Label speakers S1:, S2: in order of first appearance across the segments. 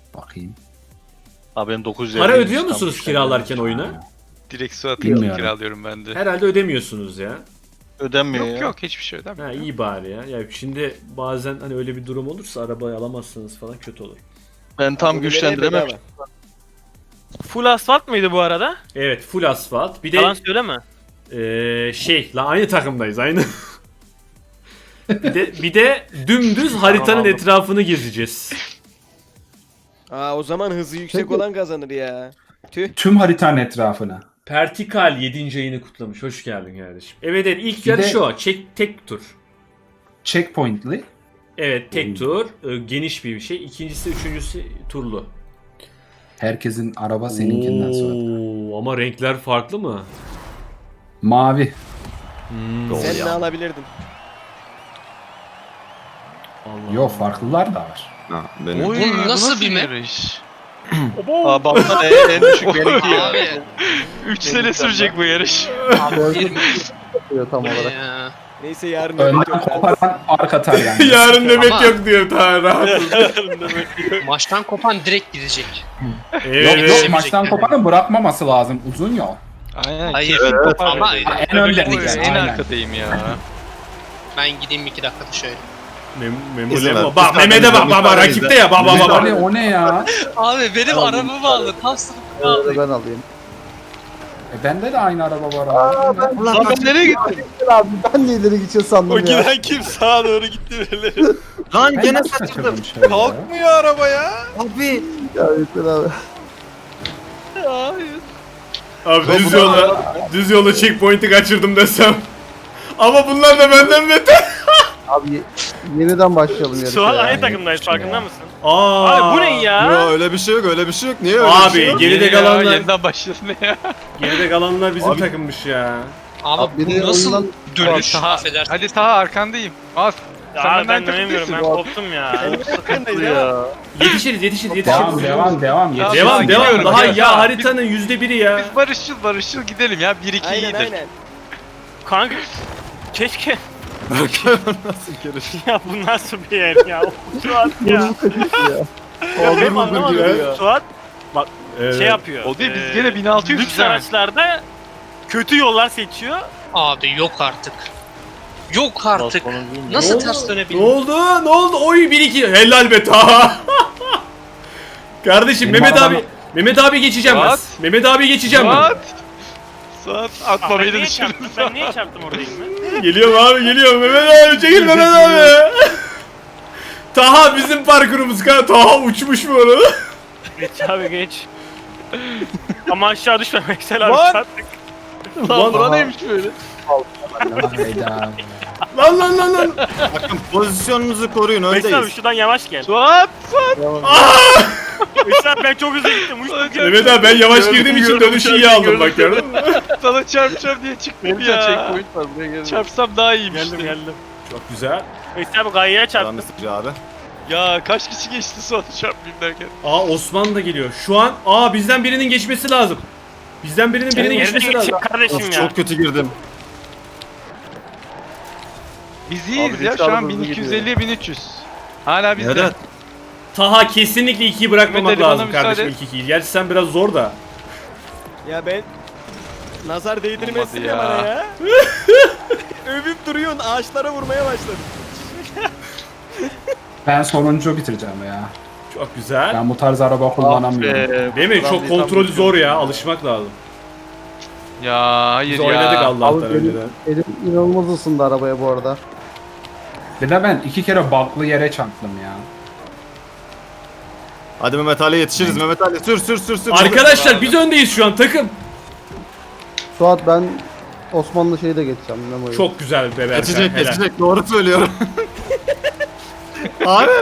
S1: Bakayım.
S2: Abi benim 950.
S3: Para ödüyor musunuz kiralarken oyuna?
S4: Direkt Suat'ı
S1: Bilmiyorum.
S4: kiralıyorum ben de.
S3: Herhalde ödemiyorsunuz ya.
S2: Ödenmiyor
S4: Yok
S2: ya.
S4: yok hiçbir şey ödemiyor.
S3: Ha iyi bari ya. Ya şimdi bazen hani öyle bir durum olursa arabayı alamazsanız falan kötü olur.
S2: Ben tam güçlendiremem.
S5: Full asfalt mıydı bu arada?
S3: Evet, full asfalt. Bir
S5: Yalan
S3: de
S5: söyleme.
S3: aynı takımdayız aynı. bir de dümdüz haritanın etrafını gezeceğiz.
S6: Aa o zaman hızı yüksek
S1: Peki.
S6: olan kazanır ya. Tüh.
S1: Tüm haritanın etrafına.
S3: Pertikal 7. ayını kutlamış. Hoş geldin kardeşim. Evet ilk
S1: Bir
S3: yarış
S1: de-
S3: o. Tek tur.
S1: Checkpoint'li.
S3: Evet tek tur. Geniş bir şey. İkincisi, üçüncüsü turlu.
S1: Herkesin araba seninkinden sonra.
S3: Oo, ama renkler farklı mı?
S1: Mavi.
S6: Sen ne alabilirdin?
S3: Allah
S1: Yok farklılar da var.
S7: Ha, benim.
S4: Oy,
S8: Bu nasıl bir map?
S4: yarış?
S2: Aa baptan en düşük benimki ya.
S8: Abi.
S4: 3 sene sürecek bu yarış.
S8: Tam olarak.
S6: Neyse yarın
S1: Önden
S6: nöbet yok.
S1: koparan fark atar yani.
S3: Yarın nöbet
S8: Ama-
S3: yok diyor ta rahat.
S8: Maçtan kopan direkt gidecek.
S3: Evet.
S1: Yok maçtan koparan bırakmaması lazım. Uzun yol.
S4: Aynen.
S8: Hayır.
S4: kesin kopar
S8: Ama
S4: böyle.
S1: En önde
S4: Oy,
S1: gideceğiz.
S4: en
S1: Aynen.
S4: arkadayım ya.
S8: Ben gideyim 2 dakikada şöyle.
S7: İzle
S3: Bak Mehmet'e bak rakipte ya bak.
S1: Hani o ne ya?
S8: Abi benim arabamı aldı. Tam sınıfını aldı.
S9: Ben alayım.
S1: Bende de aynı araba var abi.
S4: Lan ben nereye gittim?
S9: Abi ben de ileri gideceğiz sandım ya.
S4: kim sağa doğru gitti birileri.
S7: Lan
S1: Ben
S7: gene
S1: nasıl
S7: saçıldım.
S1: kaçırdım şöyle ya?
S4: Kalkmıyor araba ya.
S7: Abi.
S9: Ya yeter abi.
S3: Abi düz yola checkpoint'i kaçırdım desem. Ama bunlar da benden beter.
S9: Abi yeniden başlayalım yarışa.
S5: Şu an
S9: ya.
S5: aynı takımdayız farkında mısın?
S3: Aa.
S5: Abi bu ne ya?
S7: Öyle bir şey yok öyle bir şey yok. Niye öyle bir şey
S3: Abi
S7: yok?
S3: geride
S4: Yeni ya,
S3: kalanlar
S4: yeniden başlasın ya.
S3: bizim
S7: Abi-
S3: takımmış ya.
S8: Abi
S9: Bir de
S8: bu nasıl
S9: oyundan-
S8: dönüş?
S4: Taha,
S8: Affedersin.
S4: hadi Taha arkandayım. Az.
S5: Ya
S4: Sen
S5: abi
S4: benden
S5: ben dönemiyorum ben
S4: takımlısın.
S5: koptum ya.
S3: Yetişiriz.
S1: Devam.
S4: Ya,
S3: Devam.
S4: gidiyorum
S3: Daha
S4: ya.
S3: ya haritanın %1'i ya.
S4: Biz barışçıl gidelim ya. 1-2
S6: Aynen
S4: iyidir.
S6: aynen.
S5: Kanka keşke
S7: Nasıl yarış?
S5: ya bu nasıl bir yer ya? Suat ya. Ya benim anlamadım ya. Suat şey yapıyor.
S4: O değil biz gene 1600
S5: lüks
S4: güzel.
S5: araçlarda kötü yollar seçiyor.
S8: Abi yok artık. Yok artık. Nasıl ters
S3: Ne
S8: dönebiliyor?
S3: oldu? Ne oldu? Oy 1-2. Helal be ta. Kardeşim
S1: Benim
S3: Mehmet abi geçeceğim ben.
S4: What?
S3: Mehmet abi geçeceğim ben.
S4: Suat atma
S5: Ben
S4: beni
S5: niye
S4: dışarı.
S5: çarptım? Ben niye çarptım oradayım ben?
S3: Geliyorum abi geliyorum. Mehmet abi çekil Mehmet abi. Taha bizim parkurumuz kanka. Taha uçmuş bu arada.
S5: Geç abi geç. Ama aşağı düşme Veysel abi
S4: Lan!
S5: çarptık.
S4: Lan bura neymiş böyle?
S1: Hayda.
S3: Lan.
S7: Bakın pozisyonunuzu koruyun
S5: Veysel abi
S7: öndeyiz.
S5: şuradan yavaş gel.
S4: Suat!
S5: Veysel abi ben çok hızlı gittim. Uçtum.
S3: Mehmet abi ben yavaş girdiğim için dönüşü iyi aldım bak gördün mü?
S4: Sana çarpacağım diye çıktım ya.
S2: Checkpoint var buraya gelin.
S4: Çarpsam daha iyiymiş.
S5: Geldim.
S3: Çok güzel.
S5: Veysel abi gayeye çarptı.
S7: Tamam sıkıcı abi.
S4: Ya kaç kişi geçti Suat'ı çarpmayayım derken.
S3: Osman da geliyor. Şu an bizden birinin geçmesi lazım. Bizden birinin geçmesi
S5: Nereden
S3: lazım.
S5: geçeyim kardeşim
S7: Of,
S5: ya?
S7: çok kötü girdim.
S4: Biz iyiyiz
S2: Abi
S4: ya
S2: risk
S4: şu an
S2: alımımız
S4: 1250'ye 1300. Hala bizde.
S7: Evet.
S3: Taha kesinlikle 2'yi bırakmamak
S4: Mehmet Ali, bana
S3: lazım kardeşim
S4: müsaade.
S3: ilk 2'yi. Gerçi sen biraz zor da.
S6: Ya ben nazar değdirmesin
S4: Olmadı
S6: ya
S4: ya.
S6: bana ya. Övüp duruyorsun ağaçlara vurmaya başladın.
S1: Ben sonuncu bitireceğim ya.
S3: Çok güzel.
S1: Ben bu tarz araba kullanamıyorum.
S3: Değil mi? Çok kontrolü zor ya. Alışmak lazım.
S4: Ya hayır
S3: Biz
S4: ya.
S3: oynadık Allah'tan
S9: Abi
S3: önceden.
S9: elim inanılmaz ısındı arabaya bu arada.
S1: Bir de ben 2 kere baklı yere çarptım ya.
S7: Hadi Mehmet Ali yetişiriz. Mehmet Ali sür.
S3: Arkadaşlar biz öndeyiz şu an takım.
S9: Suat ben Osmanlı şeyi de geçeceğim Memo'yu.
S3: Çok güzel be Berkay.
S7: Geçecek
S3: helal.
S7: geçecek doğru söylüyorum. Abi.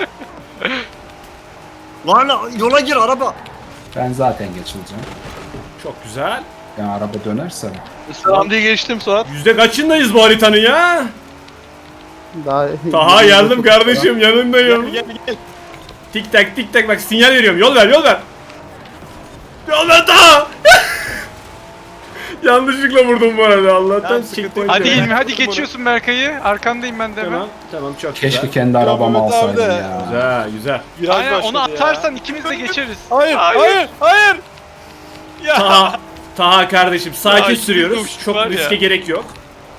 S7: Lan yola gir araba.
S1: Ben zaten geçileceğim.
S3: Çok güzel.
S1: Yani araba dönerse.
S2: Selam diye geçtim Suat.
S3: Yüzde kaçındayız bu haritanın ya?
S9: Daha
S3: Taha geldim kardeşim yanındayım.
S6: Gel.
S3: Tik tak bak sinyal veriyorum. Yol ver. Yol ver Taha. Yanlışlıkla vurdum bu arada Allah'tan.
S6: Tamam, sıkıntı yok.
S4: Hadi
S6: Ben
S4: İlmi hadi
S6: kaptım
S4: geçiyorsun Berkay'ı. Arkandayım ben de hemen.
S3: Tamam tamam çok güzel.
S1: Keşke kendi arabamı
S6: Mehmet abi
S1: alsaydım
S6: de.
S1: ya.
S3: Güzel güzel.
S6: Viraj
S4: Aynen onu
S6: başladı ya.
S4: atarsan ikimiz de geçeriz.
S6: Hayır, hayır, hayır. Ya.
S3: Taha kardeşim sakin
S4: Ya,
S3: sürüyoruz.
S4: uçtuk
S3: Çok
S4: var ya.
S3: riske gerek yok.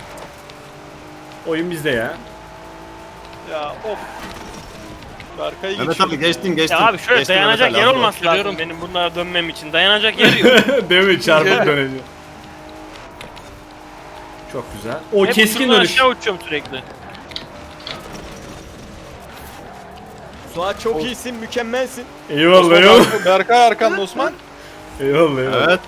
S3: Oyun bizde ya.
S6: Ya of. Berkay'ı
S7: Mehmet abi geçtin geçtin.
S5: Ya abi şöyle
S7: Geçtin
S5: dayanacak
S7: Mehmet
S5: yer
S7: Ali,
S5: olması lazım
S2: Biliyorum.
S5: benim bunlara dönmem için. Dayanacak yer yok.
S3: Değil mi? Çarpıp döneceğim. Çok güzel. O
S5: Hep
S3: keskin
S5: uçurumdan
S3: dönüş.
S5: aşağı uçuyorum sürekli.
S6: Suat çok iyisin, mükemmelsin.
S3: Eyvallah eyvallah.
S6: Berkay arkanda Osman.
S3: Eyvallah eyvallah.
S7: Evet.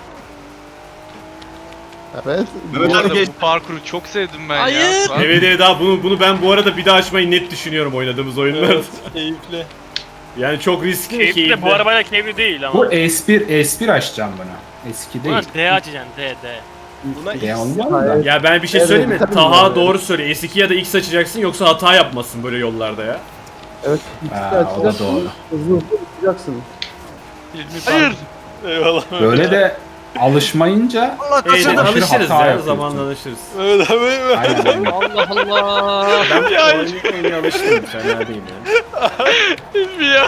S9: Evet.
S7: Mehmet
S4: Bu
S7: Ali
S4: arada
S7: geçti.
S4: bu parkuru çok sevdim ben ya.
S8: Hayır.
S4: Suat.
S3: Evet evet daha bunu ben bu arada bir daha açmayı net düşünüyorum oynadığımız oyunlarda.
S6: Evet, keyifli.
S3: Yani çok riskli
S5: Keyifli de bu arabayla keyifli değil ama.
S1: Bu S1 açacağım buna. Eski değil.
S5: Buna D açacaksın D.
S6: Buna
S1: Ne
S6: X.
S1: olmaz da.
S3: Ya ben bir şey
S9: Evet,
S3: söyleyeyim mi?
S9: tabii
S3: Taha
S9: yani.
S3: doğru söylüyor. S2 ya da X açacaksın yoksa hata yapmasın böyle yollarda ya.
S9: Evet. ikisi de
S1: Ha, o da
S9: açacaksın.
S1: doğru.
S9: Hızlı hızlı uçacaksın.
S4: Hayır.
S6: Eyvallah.
S1: Böyle de alışmayınca
S7: Allah
S3: Evet,
S7: kaçırdım.
S1: aşırı
S3: alışırız
S1: hata
S3: ya
S1: yapıyorsun.
S3: zamanla alışırız.
S6: Evet abi. Evet.
S1: aynen aynen.
S8: Allah Allah.
S3: Ben oyuna alıştım fena değil ya.
S4: İlmi ya.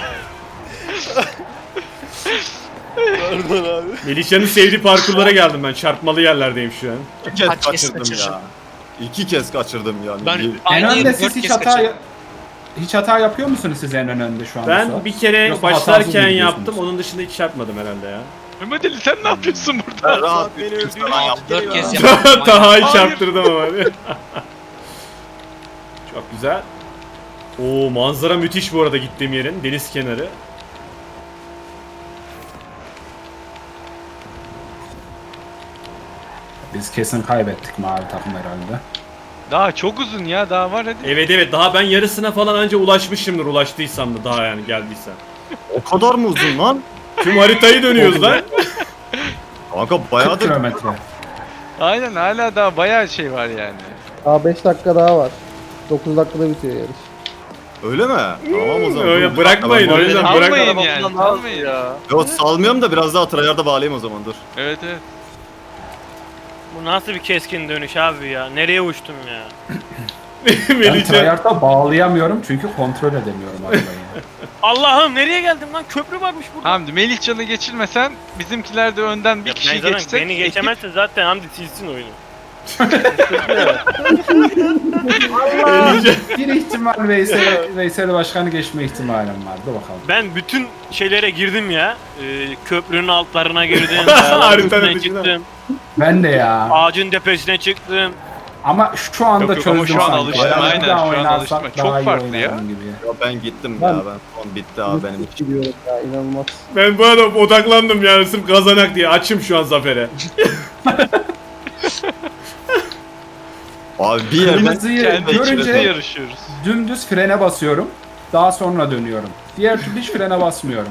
S6: Pardon abi.
S3: Melihcan'ın sevdiği parkurlara geldim ben. Çarpmalı yerlerdeyim şu an.
S7: 2 kez
S8: Kaç kez
S7: kaçırdım
S8: kaçırdın?
S7: ya. 2 kez kaçırdım yani.
S8: Ben
S1: En
S8: aynı
S1: önde
S8: yeri
S1: siz
S8: 4
S1: hiç
S8: kez
S1: hata
S8: kaçırdım.
S1: hiç hata yapıyor musunuz siz en önde şu anda?
S3: Ben
S1: Suat?
S3: bir kere
S1: Yoksa hatasız mı
S3: başlarken
S1: gidiyorsunuz?
S3: yaptım. Onun dışında hiç çarpmadım herhalde ya.
S4: Mehmet Ali sen ne yapıyorsun burada?
S7: Ben rahat
S6: Suat beni
S7: 3 kez
S6: öldürdü.
S7: falan yaptım.
S8: 4
S7: ya.
S8: kez yaptım.
S3: Taha'yı çarptırdım ama. Çok güzel. Oo manzara müthiş bu arada gittiğim yerin. Deniz kenarı.
S1: Biz kesin kaybettik mavi takım herhalde.
S4: Daha çok uzun ya daha var hadi.
S3: Evet evet daha ben yarısına falan anca ulaşmışımdır ulaştıysam da daha yani geldiysem.
S7: O kadar mı uzun lan?
S3: Tüm haritayı dönüyoruz lan.
S7: Kanka
S1: 40
S7: bayağıdır.
S1: kilometre.
S4: Aynen hala daha bayağı şey var yani.
S9: Daha 5 dakika daha var. 9 dakikada bitiyor yarış.
S7: Öyle mi? Tamam o zaman.
S3: Öyle
S7: Dur,
S3: bırakmayın
S7: ben-
S3: o yüzden
S4: Almayın
S3: bırakmayın.
S4: yani. Almayın.
S7: Yok salmıyorum da biraz daha tryhard'a bağlayayım o zaman dur.
S4: Evet evet.
S5: Bu nasıl bir keskin dönüş abi ya? Nereye uçtum ya?
S1: Ben
S3: Melihcan.
S1: tryhard'a bağlayamıyorum çünkü kontrol edemiyorum arabayı.
S5: Allah'ım nereye geldim lan? Köprü varmış burada.
S4: Hamdi Melihcan'ı geçirmesen bizimkiler de önden bir
S5: Ya
S4: kişi
S5: ben zaten
S4: geçsek.
S5: beni geçemezse zaten Hamdi silsin oyunu.
S3: Melihcan.
S1: Bir ihtimal Veysel Başkan'ı geçme ihtimalim var. Dur bakalım.
S5: Ben bütün şeylere girdim ya. Köprünün altlarına girdim.
S3: Haritanın
S5: üstüne
S3: dışına.
S5: çıktım.
S1: Ben de ya.
S5: Ağacın tepesine çıktım.
S1: Ama şu anda
S4: Yok, yok, ama
S1: çözdüm
S4: şu an
S1: sanki.
S4: alıştım,
S1: Bayağı
S4: aynen,
S1: bir daha
S4: şu an
S1: oynarsak
S4: alıştım.
S1: daha
S4: Çok
S1: iyi
S4: farklı ya.
S1: oynarım gibi.
S7: Ya ben gittim
S9: Ben-
S7: ya ben. Son bitti abi benim için.
S9: Gidiyorum ya inanılmaz.
S3: Ben bu arada odaklandım yani sırf kazanak diye. Açım şu an zafere.
S7: Abi bir yerden
S1: Kırmızıyı
S4: Kendi içimizde
S1: görünce
S4: yarışıyoruz.
S1: dümdüz frene basıyorum. Daha sonra dönüyorum. Diğer türlü hiç frene basmıyorum.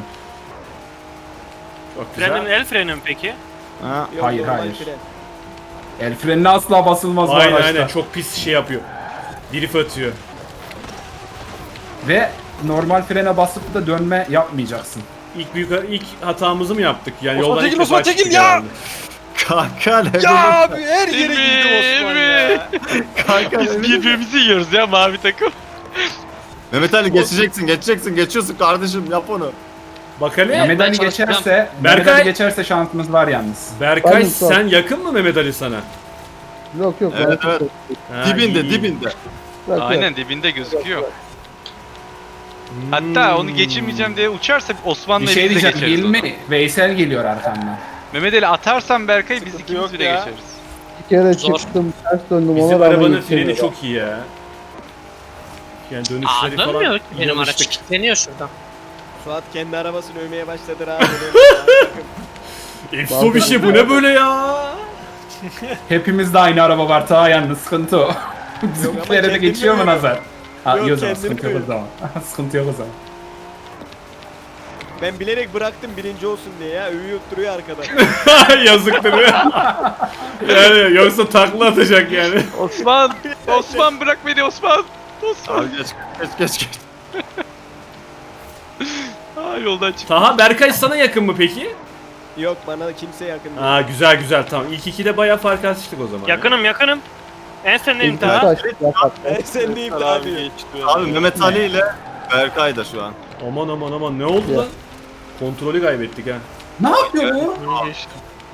S3: Çok
S5: Frenin
S3: güzel.
S5: el freni mi peki?
S7: Ha,
S6: Yok,
S1: Hayır,
S6: normal
S1: hayır.
S6: fren.
S1: El frenine asla basılmaz bu
S3: Aynen
S1: araçta.
S3: aynen çok pis şey yapıyor. Drift atıyor.
S1: Ve normal frene basıp da dönme yapmayacaksın.
S3: İlk hatamızı mı yaptık? Yani
S6: Osman
S3: yoldan
S6: çekil,
S3: ilk defa
S6: Osman çekil
S3: çıktık
S6: ya!
S3: herhalde.
S7: kanka ne
S6: Ya
S7: bileyim.
S6: abi her yere girdim Osman ya.
S7: Kanka ne
S4: Biz
S7: bileyim.
S4: birbirimizi yiyoruz ya mavi takım.
S7: Mehmet Ali geçiyorsun kardeşim yap onu.
S3: Bak hele.
S1: Mehmet Ali
S8: çalışacağım.
S1: geçerse,
S3: Berkay-
S1: Mehmet Ali geçerse şansımız var yalnız.
S3: Berkay
S9: Aynen, sağ ol.
S3: sen yakın mı Mehmet Ali sana?
S9: Yok yok.
S7: Evet,
S9: ben-
S7: evet.
S3: Ha,
S7: Dibinde
S3: iyi.
S7: dibinde.
S9: Yok, yok.
S4: Aynen dibinde gözüküyor. Hatta onu geçirmeyeceğim diye uçarsa
S1: Bir
S4: Osman'la
S1: şey
S4: biz de
S1: diyeceğim,
S4: geçeriz onu.
S1: Hilmi, Veysel geliyor arkamdan.
S4: Mehmet Ali atarsan Berkay biz
S6: Sıkıntı
S4: ikimiz
S6: yok
S4: bile
S6: ya.
S4: geçeriz.
S9: Bir kere
S8: Zor.
S9: çıktım, ters döndüm
S3: Bizim
S9: ona rağmen
S3: arabanın
S9: yetişemiyorum.
S3: freni çok iyi ya. Yani
S8: Aa
S3: dönüşleri falan.
S8: dönmüyor ki benim araç.
S3: yanlışlık.
S8: Kilitleniyor şuradan.
S6: Suat kendi arabasını övmeye başladı abi.
S3: Efso bir şey bu ne böyle ya?
S1: Hepimizde aynı araba var, ta yalnız sıkıntı o. Bizimkilere de
S6: kendini
S1: geçiyor mu
S6: övüyor.
S1: nazar? Ha
S6: Yok,
S1: iyi o zaman,
S6: kendini
S1: sıkıntı yok o zaman. Sıkıntı yok o zaman.
S6: Ben bilerek bıraktım birinci olsun diye ya. Övüyor duruyor arkada.
S3: Yazıktır ya. Yani yoksa takla atacak yani.
S4: Osman! Osman bırak beni Osman! Osman!
S7: Abi geç.
S4: Aa, yoldan çık.
S3: Taha Berkay sana yakın mı peki?
S6: Yok bana kimse yakın değil.
S3: Aa güzel güzel tamam. İlk ikide bayağı fark açtık o zaman.
S5: Yakınım. En sendeyim
S9: İlk
S5: Taha.
S9: açtık ya bak.
S6: Sen deyip de abi.
S7: Abi Mehmet Ali ile Berkay da şu an.
S3: Aman ne oldu lan? Kontrolü kaybettik ha.
S1: Ne yapıyor bu?
S2: Geçtim.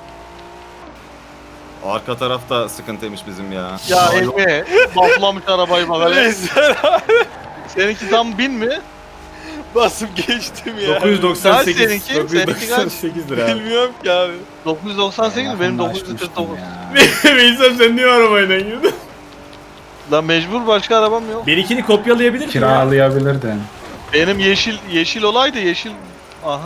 S7: Arka tarafta sıkıntıymış bizim ya.
S2: Ya Emre baplamış arabayı bak hele. Seninki tam 1000 mi?
S6: Basıp geçtim ya.
S3: 998.
S2: Kaç seninki?
S3: 998 lira.
S6: Bilmiyorum ki abi.
S2: 998 mi? Benim
S1: Yakınlaşmıştım
S2: 949.
S1: ya.
S3: Veysel sen niye arabayla gidiyorsun?
S2: Lan mecbur başka arabam yok.
S3: Benimkini kopyalayabilir miyim?
S1: Kiralayabilirdin.
S2: Benim yeşil olaydı yeşil. Aha.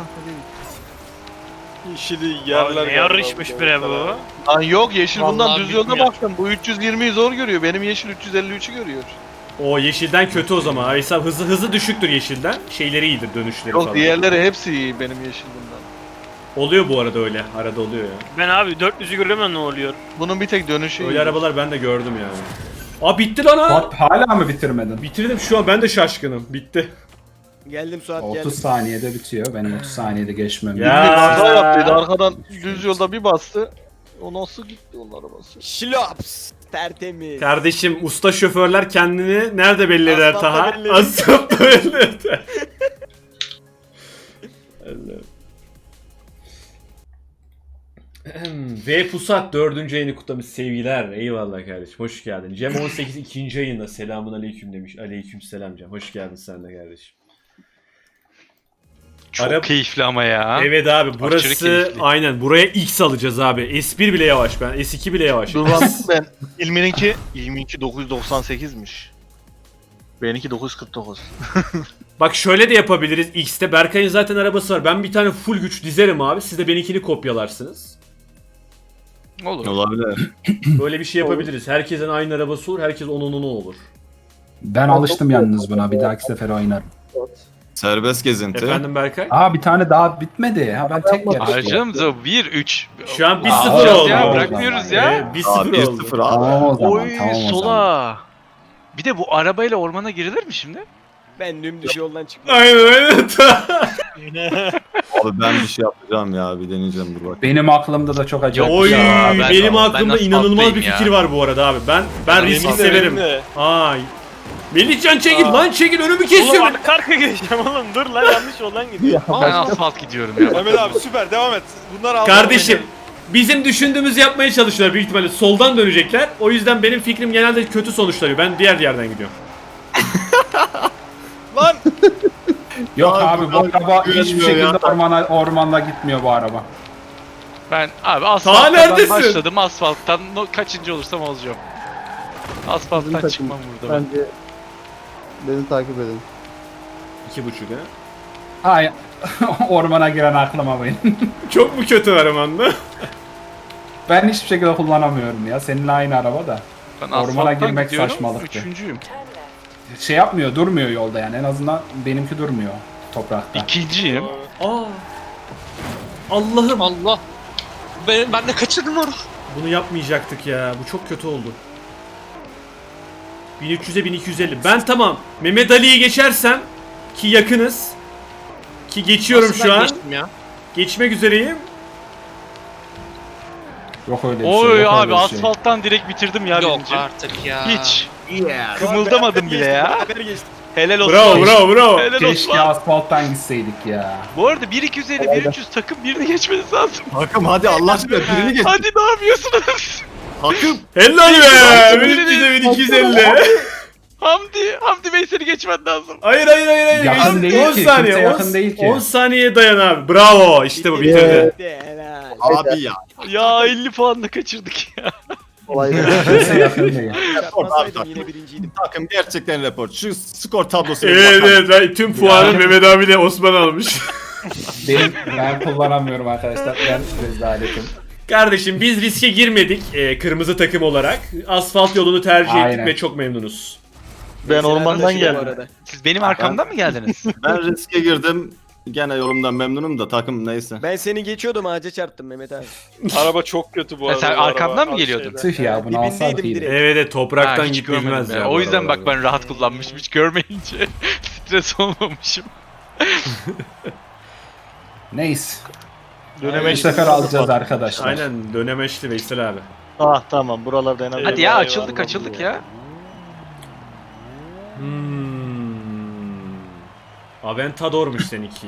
S6: İşini yerler.
S5: Ne yarışmış bre bu?
S2: Lan yok yeşil bundan
S8: Vallahi
S2: düz yolda
S8: bitmiyor.
S2: baktım. Bu 320'yi zor görüyor. Benim yeşil 353'ü görüyor.
S3: O yeşilden kötü o zaman. Veysel hızı düşüktür yeşilden. Şeyleri iyidir dönüşleri
S2: Yok
S3: falan.
S2: diğerleri hepsi iyi benim yeşil bundan.
S3: Oluyor bu arada öyle. Arada oluyor ya.
S5: Ben abi 400'ü görüyorum ne oluyor?
S2: Bunun bir tek dönüşü
S3: Öyle
S2: iyi.
S3: arabalar ben de gördüm yani. Aa bitti lan ha.
S1: Bak hala mı bitirmedin?
S3: Bitirdim şu an ben de şaşkınım. Bitti.
S6: Geldim Suat
S1: 30
S6: geldim.
S1: saniyede bitiyor. Benim 30 saniyede geçmem.
S3: Ya.
S2: Bir kaza yaptıydı arkadan düz yolda bir bastı. O nasıl gitti onun arabası?
S6: Şlops. Tertemiz.
S3: Kardeşim usta şoförler kendini nerede belli eder
S6: Asfaltta
S3: Taha?
S6: belli eder.
S3: Asfaltta belli eder. V Pusat 4. ayını kutlamış sevgiler. Eyvallah kardeşim. Hoş geldin. Cem 18 2. ayında selamun aleyküm demiş. Aleyküm selam Cem. Hoş geldin sen de kardeşim.
S4: Çok
S3: Arap-
S4: keyifli ama ya.
S3: Evet abi burası
S4: keyifli.
S3: aynen buraya X alacağız abi. S1 bile yavaş ben. S2 bile yavaş.
S2: Dur bak ben ilmininki 998'miş. Benimki 949.
S3: Bak şöyle de yapabiliriz. X'te Berkay'ın zaten arabası var. Ben bir tane full güç dizerim abi. Siz de benimkini kopyalarsınız.
S4: Olur.
S7: Olabilir.
S3: Böyle bir şey yapabiliriz. Herkesin aynı arabası olur. Herkes onun olur.
S1: Ben alıştım yalnız buna. Bir dahaki sefer oynarım.
S7: Serbest gezinti.
S3: Efendim Berkay?
S1: Aa bir tane daha bitmedi. Ha ben tek yarıştım.
S4: Harcamız 1-3.
S3: Şu an 1-0
S1: Aa,
S3: oldu.
S4: Ya
S1: oldu.
S4: bırakmıyoruz ya.
S3: 1-0
S7: Aa,
S3: oldu.
S7: 1-0 abi.
S1: Tamam o zaman.
S4: Oy
S1: Tamam o zaman.
S4: sola. Bir de bu arabayla ormana girilir mi şimdi?
S6: Ben dümdüz yoldan çıktım.
S3: Aynen.
S7: Abi ben bir şey yapacağım ya. Bir deneyeceğim dur bak.
S1: Benim aklımda da çok acayip.
S3: Oy
S4: Ya, ben-
S3: benim
S4: ben
S3: aklımda
S4: nasıl
S3: inanılmaz bir
S4: patlayayım
S3: fikir
S4: ya?
S3: var bu arada abi. Ben riski
S6: Benim de,
S3: severim.
S6: benim de.
S3: Ay. Melihcan çekil lan çekil önümü
S5: Oğlum
S3: kesiyor.
S5: arka arka geçeceğim oğlum dur lan yanlış yoldan gidiyor.
S4: Ben asfalt gidiyorum ya.
S6: Mehmet abi süper devam et. Bunlar aldı.
S3: Kardeşim bizim düşündüğümüzü yapmaya çalışıyorlar büyük ihtimalle soldan dönecekler. O yüzden benim fikrim genelde kötü sonuçlanıyor. Ben diğer yerden gidiyorum.
S6: Lan
S1: Yok
S7: Abi,
S1: abi bu araba hiçbir
S7: güvenmiyor
S1: şekilde
S7: ya.
S1: ormanda gitmiyor bu araba.
S4: Ben abi
S3: Taha
S4: asfalttan
S3: neredesin?
S4: başladım. Asfalttan kaçıncı olursam olacağım. Asfalttan
S9: Bizim
S4: çıkmam burada ben.
S9: Bence beni takip edin.
S3: 2.5 ha.
S1: Hayır. Ormana giren aklıma benim.
S3: Çok mu kötü Armanda?
S1: Ben hiçbir şekilde kullanamıyorum ya. Seninle aynı araba da.
S4: Ben
S1: Ormana
S4: asfalttan
S1: girmek
S4: gidiyorum,
S1: saçmalıktı.
S4: Üçüncüyüm.
S1: Şey yapmıyor, durmuyor yolda yani. En azından benimki durmuyor toprakta.
S4: İkinciyim.
S3: Aa. Allah'ım.
S8: Allah. Ben de kaçırdım onu.
S3: Bunu yapmayacaktık ya. Bu çok kötü oldu. 1300'e 1250. Ben tamam. Mehmet Ali'yi geçersem ki yakınız. Ki geçiyorum
S8: Nasıl
S3: şu
S8: ben
S3: an.
S8: geçtim ya?
S3: Geçmek üzereyim.
S1: Yok öyle bir şey.
S4: Oy
S1: yok
S4: abi
S1: öyle bir şey.
S4: asfalttan direkt bitirdim ya
S8: Yok
S4: birinci.
S8: artık ya.
S4: Hiç. Kımıldamadım bile ya.
S6: Beraber geçtik.
S4: Helal olsun.
S3: Bravo.
S4: Helal
S1: Keşke
S4: olsun.
S1: asfalttan gitseydik ya.
S4: Bu arada 1-250 1-300 takım birini geçmeniz lazım.
S7: Takım hadi Allah aşkına birini geç.
S4: Hadi ne yapıyorsunuz?
S7: Takım.
S3: Helal be. 1300'e 1250.
S4: Hamdi Bey seni geçmen lazım.
S3: Hayır.
S1: Yakın değil
S3: 10
S1: ki,
S3: saniye.
S1: kimse
S3: 10
S1: yakın değil ki.
S3: 10 saniyeye dayan abi. Bravo. İşte bu bitirdi.
S6: Helal.
S7: Abi ya.
S4: Ya 50 puanla kaçırdık ya.
S9: Kolay değil.
S1: Kimse yakın değil.
S6: Çarpmasaydım
S7: Abi,
S6: yine birinciydim.
S7: Takım gerçekten report. Şu skor tablosuna
S3: Evet
S7: bakalım.
S3: evet. Ben tüm puanı Mehmet abi de Osman almış.
S1: Ben kullanamıyorum arkadaşlar. Ben rezaletim.
S3: Kardeşim biz riske girmedik kırmızı takım olarak. Asfalt yolunu tercih ettik
S1: Aynen.
S3: ve çok memnunuz.
S2: Ben ormandan
S6: Bu
S2: geldim.
S6: arada.
S4: Siz benim arkamdan mı geldiniz?
S7: Ben riske girdim. Gene yolumdan memnunum da takım neyse.
S6: Ben seni geçiyordum ağaca çarptım Mehmet abi.
S5: Araba çok kötü bu
S4: Ha, sen
S5: bu
S4: arkamdan
S5: araba.
S4: mı geliyordun?
S1: Tüh ya bunu alsak
S6: Dibindeydim
S1: iyiydi.
S6: direkt.
S3: Evet topraktan
S4: Ha, hiç
S3: gitmez
S4: görmedim
S3: ya.
S4: ya.
S3: bu
S4: O yüzden bak
S3: arabalar.
S4: ben rahat kullanmışım hiç görmeyince stres olmamışım.
S1: Neyse. Bu sefer alacağız arkadaşlar.
S3: Aynen dönemeçli Veysel abi.
S2: Ah tamam buralarda en azından.
S4: Hadi ya açıldık ya.
S3: Aventador'muş seninki.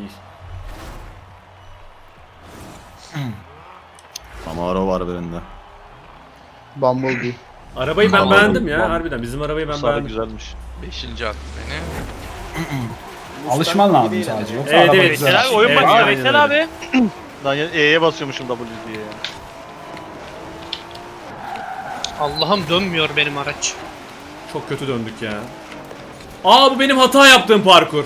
S7: Camaro var birinde.
S9: Bumblebee.
S3: Arabayı ben
S7: Tamam,
S3: beğendim ya
S7: tamam.
S3: harbiden. Bizim arabayı ben
S2: Sarı
S3: beğendim.
S2: güzelmiş.
S4: 5. at beni.
S1: Alışman lazım sadece. Yoksa
S3: Evet,
S1: araba
S3: evet.
S1: güzel.
S5: Veysel abi oyun
S3: Evet,
S5: başlıyor
S3: aynen
S5: Veysel
S3: öyle.
S5: abi.
S2: Lan E'ye basıyormuşum W diye ya.
S8: Allah'ım dönmüyor benim araç.
S3: Çok kötü döndük ya. Aa bu benim hata yaptığım parkur.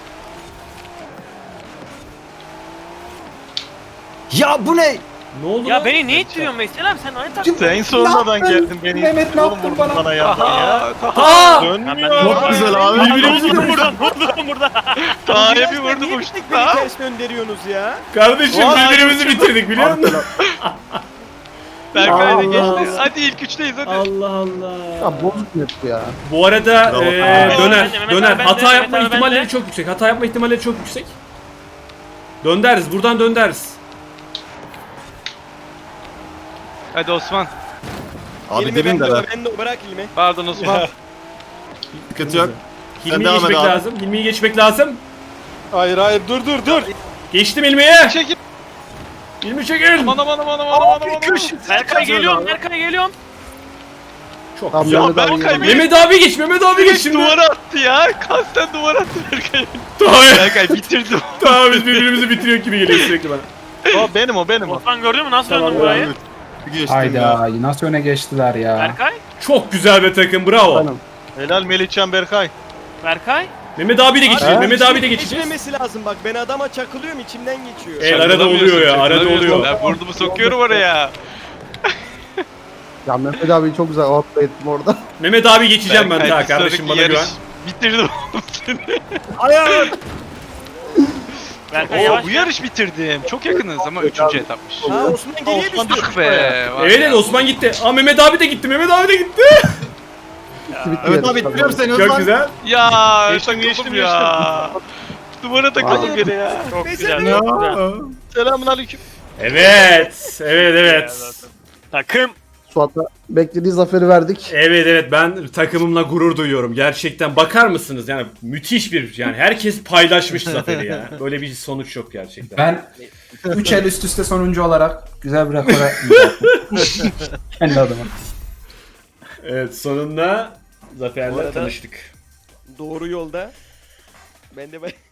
S6: Ya bu ne?
S3: Ne oldu
S5: Ya
S3: lan?
S5: beni niye ittiriyorsun Veysel abi sen aynı takım.
S2: Sen sonradan geldin beni.
S1: Mehmet, ne
S2: Oğlum
S1: yaptın
S2: vurdun
S1: bana?
S2: ya.
S3: Aa!
S2: Dönmüyor.
S7: Çok güzel abi.
S3: Birbirimizi
S5: Vurdum burada.
S2: Tayyip'i vurdu
S6: Niye
S2: uçtuk
S6: beni
S2: da.
S6: ters gönderiyorsunuz ya?
S3: Kardeşim birbirimizi bitirdik biliyor musun?
S4: Berkay da
S9: Allah
S4: geçti.
S9: Allah.
S4: Hadi ilk üçteyiz hadi.
S3: Allah Allah.
S9: Ya bozuk net bu ya.
S3: Bu arada
S7: Bravo.
S3: döner.
S5: Mehmet
S3: Döner.
S5: abi
S3: Hata
S5: bende,
S3: yapma
S5: Mehmet abi
S3: ihtimalleri
S5: bende.
S3: çok yüksek. Hata yapma ihtimalleri çok yüksek. Dönderiz. Buradan dönderiz.
S4: Hadi Osman.
S7: Abi
S6: İlmi ben
S7: dibindeler.
S6: de, ben de bırak ilmi.
S4: Pardon Osman.
S7: Sıkıntı yok.
S3: Hilmi'yi
S7: devam et
S3: geçmek
S7: abi.
S3: lazım. Hilmi'yi geçmek lazım.
S6: Hayır hayır dur.
S3: Geçtim Hilmi'ye.
S4: Çekil.
S3: Hilmi çekil.
S4: Aman aman aman aman aman aman.
S5: Berkay geliyorum Berkay geliyorum.
S3: Çok
S9: Tam
S3: güzel.
S9: Mehmet abi
S4: Berkay
S9: geldi.
S3: Mehmet abi geç. Mehmet abi geç şimdi.
S4: Duvara attı ya. Kasten duvara attı Berkay.
S3: Tamam.
S4: Berkay bitirdim.
S3: Tamam biz birbirimizi bitiriyor gibi geliyor sürekli bana.
S2: O benim o.
S5: Osman gördün mü nasıl
S3: Tamam,
S5: döndüm burayı?
S7: Geçtim ya.
S1: Hayda nasıl öne geçtiler ya.
S5: Berkay?
S3: Çok güzel bir takım. Bravo.
S9: Benim.
S2: Helal Melihcan Berkay.
S5: Berkay?
S3: Mehmet abi de geçecek.
S9: Ha?
S3: Mehmet abi de geçecek.
S6: Geçmemesi lazım bak ben adama çakılıyorum içimden geçiyor.
S3: Evet arada oluyor ya. Arada oluyor.
S4: Ben burnumu sokuyorum oraya.
S9: Ya Mehmet abi çok güzel outplay ettim orada.
S3: Mehmet abi geçeceğim ben
S4: Berkay,
S3: daha
S4: bir
S3: kardeşim
S4: sonraki
S3: bana güven.
S4: yarış Bitirdim oğlum seni.
S6: Hayır.
S5: Berkay
S4: Oo,
S5: yavaş
S4: bu
S5: gel.
S4: yarış bitirdim. Çok yakınız ama 3. etapmış.
S6: Ha Osman geriye düştü.
S4: Ah be. var
S3: Evet
S4: ya.
S3: Osman gitti. Aa Mehmet abi de gitti. Mehmet abi de gitti.
S9: Bitti
S7: Evet
S9: yarış.
S7: abi bitiriyorum seni
S3: Çok
S7: Özman.
S3: güzel.
S4: Ya
S2: Geçtim,
S4: takıldım ya. Duvara takıldım
S9: Vay.
S4: gene ya.
S5: Çok
S6: Veysel
S5: güzel.
S6: abi.
S5: Çok güzel.
S2: Selamun aleyküm.
S3: Evet. Evet.
S5: Takım.
S9: Suat'a beklediği zaferi verdik.
S3: Evet ben takımımla gurur duyuyorum. Gerçekten bakar mısınız? Yani müthiş bir yani herkes paylaşmış zaferi ya. Böyle bir sonuç yok gerçekten.
S1: Ben 3 el üst üste sonuncu olarak güzel bir rekora imza attım. Kendi adıma.
S3: Evet sonunda
S6: Bu
S3: Zafer'le
S6: arada-
S3: tanıştık.
S6: Doğru yolda. Ben de